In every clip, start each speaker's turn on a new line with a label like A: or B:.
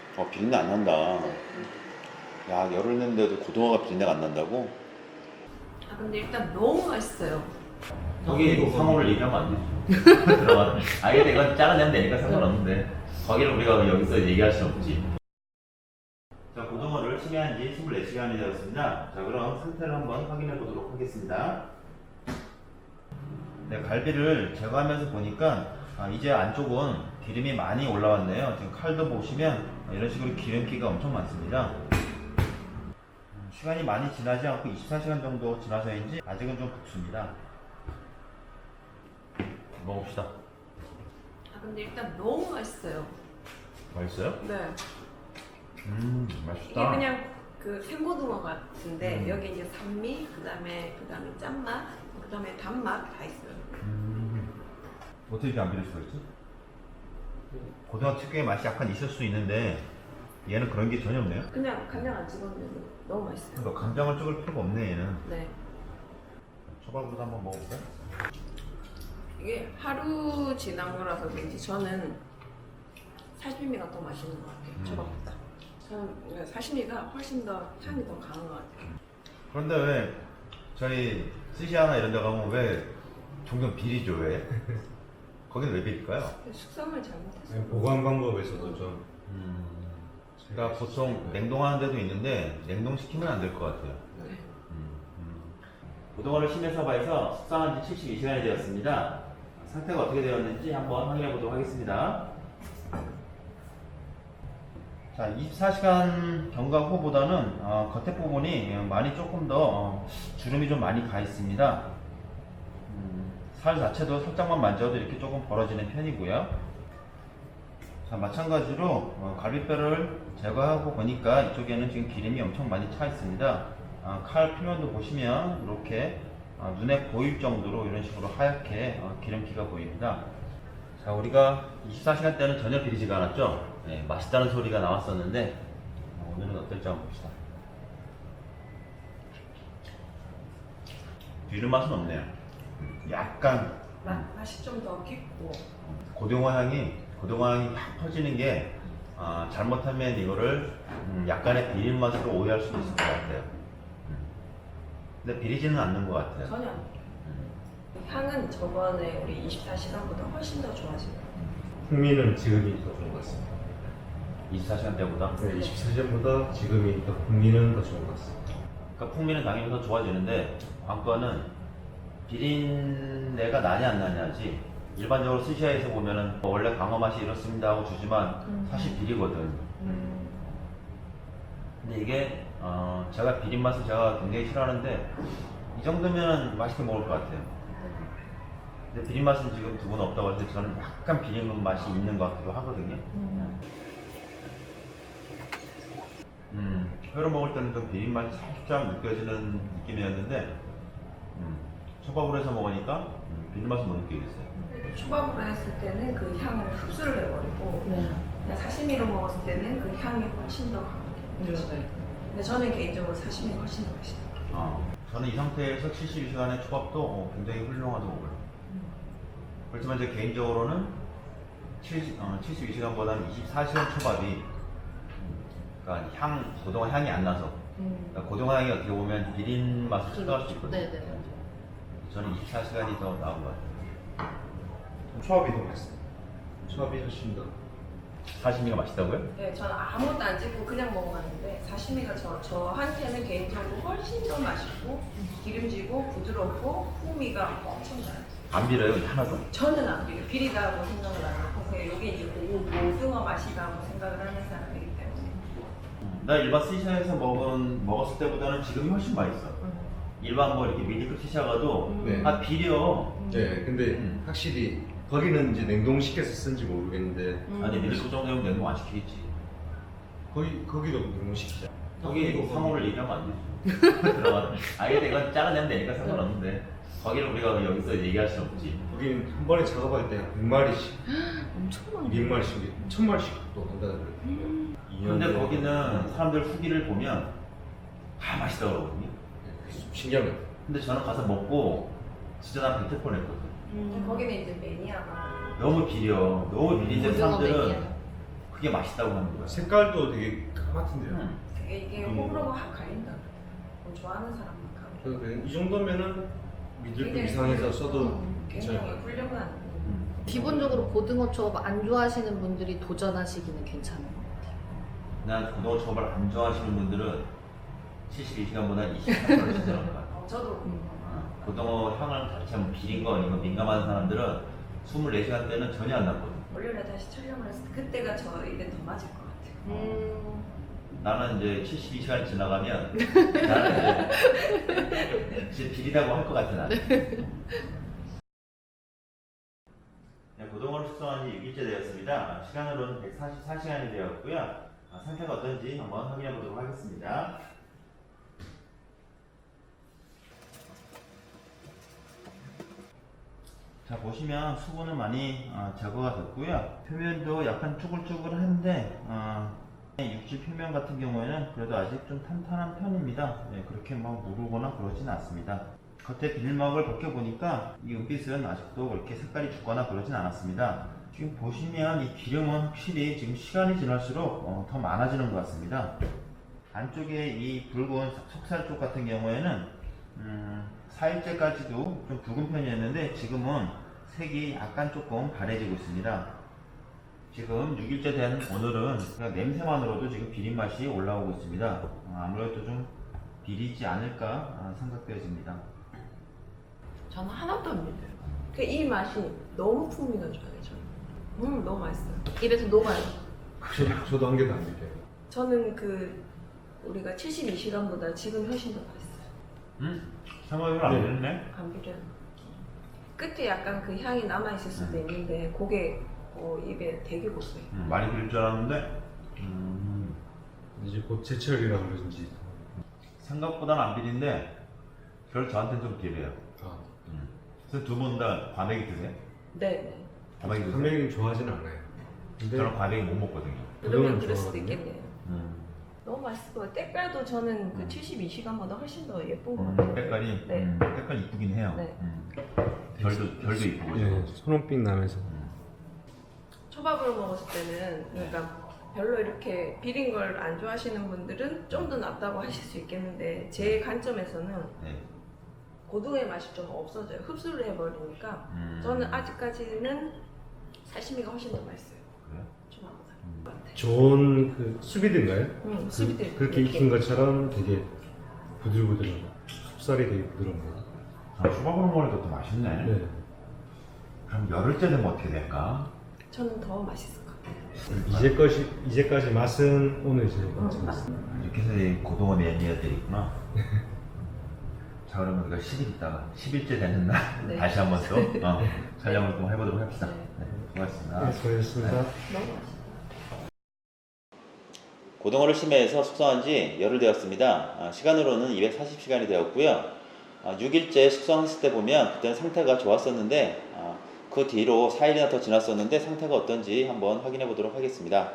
A: 비린내 안 난다. 야, 열을 냈는데도 고등어가 비린내가 안 난다고?
B: 아 근데 일단 너무 맛있어요.
C: 거기 상호를 얘기하면 안 되지. 들어가. 근데 이건 잘라내면 되니까 상관없는데 거기를 우리가 여기서 얘기할 수 없지. 자, 고등어를 심해한 지 24시간이 되었습니다. 자, 그럼 상태를 한번 확인해 보도록 하겠습니다. 네, 갈비를 제거하면서 보니까 이제 안쪽은 기름이 많이 올라왔네요. 지금 칼도 보시면 이런 식으로 기름기가 엄청 많습니다. 시간이 많이 지나지 않고 24시간 정도 지나서인지 아직은 좀 붓습니다. 먹읍시다.
B: 아 근데 일단 너무 맛있어요.
C: 맛있어요?
B: 네.
C: 맛있다.
B: 이게 그냥 그 생고등어 같은데 여기 이제 산미, 그다음에 짠맛, 그다음에 단맛 다 있어요.
C: 어떻게 이렇게 안 비릴 수가 있지? 고등어 특유의 맛이 약간 있을 수 있는데 얘는 그런 게 전혀 없네요.
B: 그냥 간장 안 찍었는데 너무 맛있어요.
C: 그러니까 간장을 찍을 필요가 없네 얘는.
B: 네.
C: 초밥으로도 한번 먹어볼까?
B: 이게 하루 지난 거라서 그런지 저는 사시미가 더 맛있는 것 같아요. 초밥보다. 저는 사시미가 훨씬 더 향이 더 강한 것 같아요.
C: 그런데 왜 저희 스시하나 이런 데 가면 왜 종종 비리죠 왜? 거기는 왜 비릴까요?
B: 숙성을 잘못했어요.
D: 보관 방법에서도 좀
C: 그러니까 보통 냉동하는 데도 있는데 냉동시키면 안 될 것 같아요.
B: 네.
C: 고등어를 심해서바에서 숙성한 지 72시간이 되었습니다. 상태가 어떻게 되었는지 한번 확인해 보도록 하겠습니다. 자, 24시간 경과 후보다는 겉에 부분이 많이 조금 더 주름이 좀 많이 가 있습니다. 살 자체도 살짝만 만져도 이렇게 조금 벌어지는 편이고요. 자, 마찬가지로 갈비뼈를 제거하고 보니까 이쪽에는 지금 기름이 엄청 많이 차 있습니다. 칼 표면도 보시면 이렇게 눈에 보일 정도로 이런 식으로 하얗게 기름기가 보입니다. 자, 우리가 24시간 때는 전혀 비리지가 않았죠? 네, 맛있다는 소리가 나왔었는데 오늘은 어떨지 한번 봅시다. 비린 맛은 없네요. 약간
B: 맛이 좀 더 깊고.
C: 고등어 향이 확 퍼지는 게 잘못하면 이거를 약간의 비린 맛으로 오해할 수도 있을 것 같아요. 근데 비리지는 않는 것 같아요.
B: 전혀 안 돼요. 향은 저번에 우리 24시간보다 훨씬 더 좋아진 것 같아요.
D: 풍미는 지금이 더 좋은 것 같습니다.
C: 24시간 때보다.
D: 네, 24시간보다 지금이 더 풍미는 더 좋은 것 같습니다.
C: 그러니까 풍미는 당연히 더 좋아지는데 관건은 비린내가 나냐 안 나냐지. 일반적으로 스시야에서 보면은 원래 강어 맛이 이렇습니다 하고 주지만 사실 비리거든. 근데 이게 제가 비린 맛을 제가 굉장히 싫어하는데 이 정도면 맛있게 먹을 것 같아요. 근데 비린 맛은 지금 두 분 없다고 해서 저는 약간 비린 맛이 있는 것 같기도 하거든요. 회로 먹을 때는 좀 비린 맛이 살짝 느껴지는 느낌이었는데 초밥으로 해서 먹으니까 비린 맛은 못 느끼겠어요.
B: 초밥으로 했을 때는 그 향을 흡수를 해버리고 그냥 사시미로 먹었을 때는 그 향이 훨씬 더 강하게 느껴져요. 근데 저는 개인적으로 사시미가 훨씬 더 맛있어요.
C: 저는 이 상태에서 72시간의 초밥도 굉장히 훌륭하다고 봐요. 그렇지만 제 개인적으로는 72시간보다는 24시간 초밥이 그러니까 고등어 향이 안 나서 그러니까 고등어 향이 어떻게 보면 비린 맛을 첨가할 수 있거든요.
B: 네네.
C: 저는 24시간이 더 나은 것 같아요.
D: 초밥이 더 맛있어요. 초밥이 훨씬 더.
C: 사시미가 맛있다고요?
B: 네, 저는 아무것도 안 찍고 그냥 먹어봤는데 사시미가 저한테는 개인적으로 훨씬 더 맛있고 기름지고 부드럽고 풍미가 엄청나요.
C: 안 비려요? 하나도?
B: 저는 안 비려. 비리다고 생각을 안 하고 그냥 이게 이제 고등어 맛이다고 생각을 하는 사람이기 때문에.
C: 나 일반 스시야에서 먹었을 때보다는 지금이 훨씬 맛있어. 일반 뭐 이렇게 미디급 스시야 가도
D: 네.
C: 비려.
D: 네, 근데 확실히 거기는 이제 냉동시켜서 쓴지 모르겠는데
C: 아니 미디급 정도면 냉동 안 시키겠지.
D: 거기도 냉동시키자.
C: 거기 상호를 얘기하면 안 되지. 들어가. 근데 이건 잘라내면 되니까 상관없는데 거기를 우리가 여기서 얘기할 수 없지.
D: 거기는 한 번에 작업할 때 100마리씩,
B: 엄청 많이
D: 200마리씩, 1000마리씩 또 한다는 거예요.
C: 근데 거기는 사람들 후기를 보면 다 맛있다고 그러거든요.
D: 신기한 거예요.
C: 근데 저는 가서 먹고 진짜 난 뱉을 뻔했거든.
B: 거기는 이제 매니아가
C: 너무 비려. 너무 비린데 사람들은 그게 맛있다고 하는 거야.
D: 색깔도 되게 까맣던데요.
B: 이게 호불호가 확 갈린다. 뭐 좋아하는 사람만 가고.
D: 그래서 그냥 이 정도면은 미들급 이상에서 써도
B: 굉장히
D: 괜찮아요.
B: 훌륭한.
E: 기본적으로 고등어 초밥 안 좋아하시는 분들이 도전하시기는 괜찮은 것 같아요.
C: 난 고등어 초밥을 안 좋아하시는 분들은 72시간보다 24시간을 지내는 것 같아.
B: 저도
C: 고등어 향을 자체 뭐 비린 거 아니고 민감한 사람들은 24시간 때는 전혀 안 나거든.
B: 월요일에 다시 촬영을 했을 때 그때가 저 입에 더 맞을 것 같아요.
C: 나는 이제 72시간 지나가면 나는 이제 비리다고 할 것 같아 나는. 네, 고등어를 숙성한 지 6일째 되었습니다. 시간으로는 144시간이 되었고요. 상태가 어떤지 한번 확인해 보도록 하겠습니다. 자, 보시면 수분은 많이 제거가 됐고요. 표면도 약간 쭈글쭈글한데 육질 표면 같은 경우에는 그래도 아직 좀 탄탄한 편입니다. 네, 그렇게 막 무르거나 그러진 않습니다. 겉에 비닐막을 벗겨보니까 이 은빛은 아직도 그렇게 색깔이 죽거나 그러진 않았습니다. 지금 보시면 이 기름은 확실히 지금 시간이 지날수록 더 많아지는 것 같습니다. 안쪽에 이 붉은 속살 쪽 같은 경우에는 4일째까지도 좀 붉은 편이었는데 지금은 색이 약간 조금 바래지고 있습니다. 지금 6일째 된 오늘은 그냥 냄새만으로도 지금 비린 맛이 올라오고 있습니다. 아무래도 좀 비리지 않을까 생각되어집니다.
B: 저는 하나도 안 믿어요. 이 맛이 너무 풍미가 좋아요. 저는. 너무 맛있어요. 입에서 녹아요.
D: 저도 한 개도 안 믿겨요.
B: 저는 우리가 72시간보다 지금 훨씬 더 맛있어요.
C: 생각을 안 했네.
B: 안 비려요. 끝에 약간 그 향이 남아 있을 수도 있는데 그게 입에 되게 고소해요.
C: 많이 비릴 줄 알았는데
D: 이제 곧 제철이라 그런지.
C: 생각보다는 안 비린데 별 저한테는 좀 비려요. 그래서 두 분 다 과메기 드세요?
B: 네.
C: 과메기 드세요?
D: 한명이 좋아하지는 않아요. 근데
C: 저는 과메기 못 먹거든요.
B: 그러면
D: 그거는
B: 그럴 수도
D: 좋아하거든요.
B: 있겠네요. 너무 맛있어요. 때깔도 저는 그 72시간보다 훨씬 더 예쁜 것 같아요.
C: 색깔이
B: 네.
C: 색깔 이쁘긴 해요.
B: 네.
C: 별도 이쁘고.
D: 예, 손홍빛 나면서.
B: 초밥으로 먹었을 때는 그러니까 별로 이렇게 비린 걸 안 좋아하시는 분들은 좀 더 낫다고 하실 수 있겠는데 제 관점에서는
C: 네.
B: 고등어의 맛이 좀 없어져요. 흡수를 해버리니까 저는 아직까지는 사시미가 훨씬 더 맛있어요.
C: 그래요?
B: 초밥보다.
D: 좋은 그 수비드인가요?
B: 수비드
D: 그렇게 익힌 것처럼 되게 부들부들한 속살이 되게 부드러운 거.
C: 초밥으로 먹으니까 더 맛있네.
D: 네.
C: 그럼 열흘째 되면 어떻게 될까?
B: 저는 더 맛있을 것 같아요.
D: 이제까지 맛은 오늘 이제
C: 이렇게 해서 이 고등어 매니아들이 있구나. 자, 그러면 우리가 10일 있다가 10일째 되는 날
B: 네.
C: 다시 한번 또 촬영을 좀 해보도록 합시다. 네, 수고하셨습니다.
D: 네, 수고하셨습니다.
B: 너무 맛있어요.
A: 고등어를 심해에서 숙성한 지 열흘 되었습니다. 시간으로는 240시간이 되었고요. 6일째 숙성했을 때 보면 그때는 상태가 좋았었는데 그 뒤로 4일이나 더 지났었는데 상태가 어떤지 한번 확인해 보도록 하겠습니다.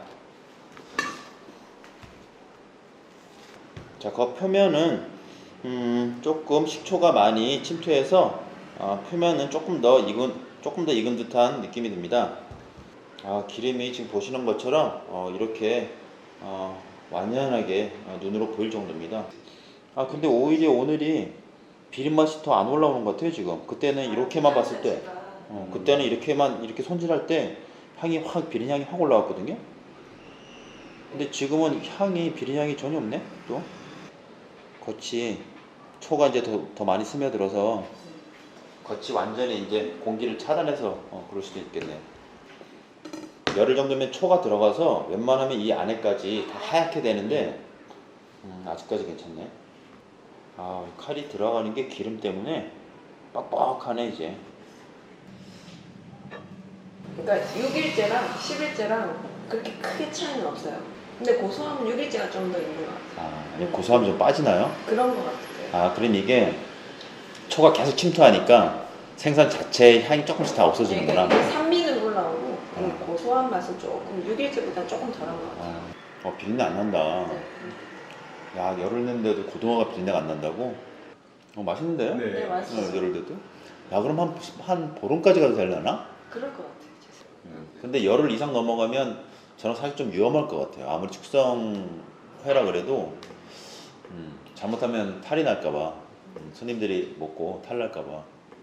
A: 자, 그 표면은 조금 식초가 많이 침투해서 표면은 조금 더 익은 듯한 느낌이 듭니다. 기름이 지금 보시는 것처럼 이렇게 완연하게 눈으로 보일 정도입니다. 근데 오히려 오늘이 비린맛이 더 안 올라오는 것 같아요. 지금 그때는 이렇게만 봤을 때 그때는 이렇게 손질할 때 비린 향이 확 올라왔거든요. 근데 지금은 비린 향이 전혀 없네. 또 겉이 초가 이제 더 많이 스며들어서 겉이 완전히 이제 공기를 차단해서 그럴 수도 있겠네요. 열흘 정도면 초가 들어가서 웬만하면 이 안에까지 다 하얗게 되는데 아직까지 괜찮네. 칼이 들어가는 게 기름 때문에 뻑뻑하네 이제.
B: 그러니까 6일째랑 10일째랑 그렇게 크게 차이는 없어요. 근데 고소함은 6일째가 좀 더 있는 것 같아요.
A: 아니 고소함이 좀 빠지나요?
B: 그런 것 같아요.
A: 그럼 이게 초가 계속 침투하니까 생선 자체의 향이 조금씩 다 없어지는구나.
B: 그러니까 이게 산미는 올라오고 이 고소한 맛은 조금 6일째보다 조금 덜한 것 같아요.
A: 비린내 안 난다.
B: 네.
A: 야, 열흘 냈는데도 고등어가 비린내가 안 난다고? 맛있는데요?
B: 네, 맛있어요.
A: 열흘 돼도? 야, 그럼 한 보름까지 가도 되려나?
B: 그럴 것 같아요.
A: 근데 열흘 이상 넘어가면 저는 사실 좀 위험할 것 같아요. 아무리 숙성회라 그래도 잘못하면 탈이 날까봐 손님들이 먹고 탈 날까봐.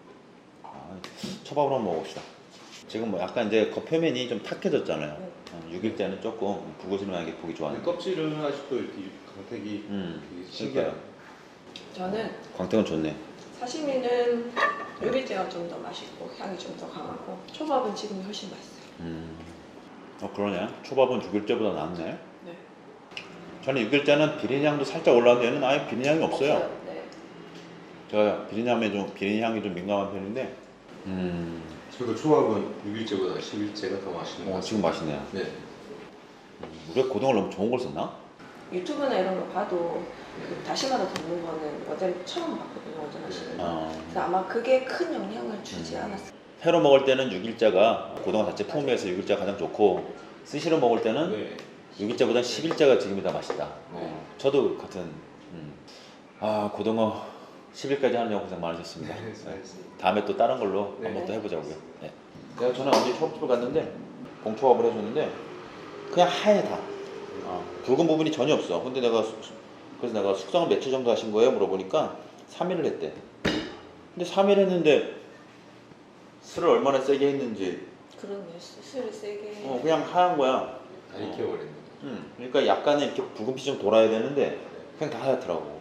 A: 초밥으로 한번 먹읍시다. 지금 뭐 약간 이제 겉표면이 좀 탁해졌잖아요. 6일째는 조금 북어스름하게 보기 좋아하는.
D: 껍질은 아직도 이렇게 광택이 되게 신기해요.
B: 저는
A: 광택은 좋네.
B: 사시미는 6일째가 좀 더 맛있고 향이 좀 더 강하고 초밥은 지금이 훨씬 맛있어요.
A: 그러네. 초밥은 6일째보다 낫네.
B: 네.
A: 저는 6일째는 비린향도 살짝 올라오는데 얘는 아예 비린향이 없어요.
B: 네.
A: 제가 비린향이 좀 민감한 편인데.
D: 저도 초밥은 6일째보다 10일째가 더 맛있는 것 같아요.
A: 지금 맛있네요.
D: 네.
A: 우리가 고등어를 너무 좋은 걸 썼나?
B: 유튜브나 이런 거 봐도 그 다시마로 덮는 거는 어제 처음 봤거든요. 오전하시는 거. 그래서 아마 그게 큰 영향을 주지 않았어요.
A: 회로 먹을 때는 6일자가 고등어 자체 풍미에서 6일자가 가장 좋고 스시로 먹을 때는
D: 네.
A: 6일자보다 10일자가 지금이 더 맛있다.
D: 네.
A: 저도 같은. 고등어 10일까지 하느냐고 고생 많으셨습니다.
D: 네, 알겠습니다.
A: 다음에 또 다른 걸로
D: 네.
A: 한번 또 해보자고요. 네. 내가 전에 언제 초밥집을 갔는데 공초밥을 해줬는데 그냥 하얘 다. 붉은 부분이 전혀 없어. 근데 그래서 내가 숙성을 며칠 정도 하신 거예요? 물어보니까 3일을 했대. 근데 3일 했는데 술을 얼마나 세게 했는지
B: 그런 술을 세게.
A: 그냥 하얀 거야.
D: 다 익혀버렸네.
A: 그러니까 약간은 이렇게 붉은빛이 좀 돌아야 되는데 그냥 다 하얗더라고.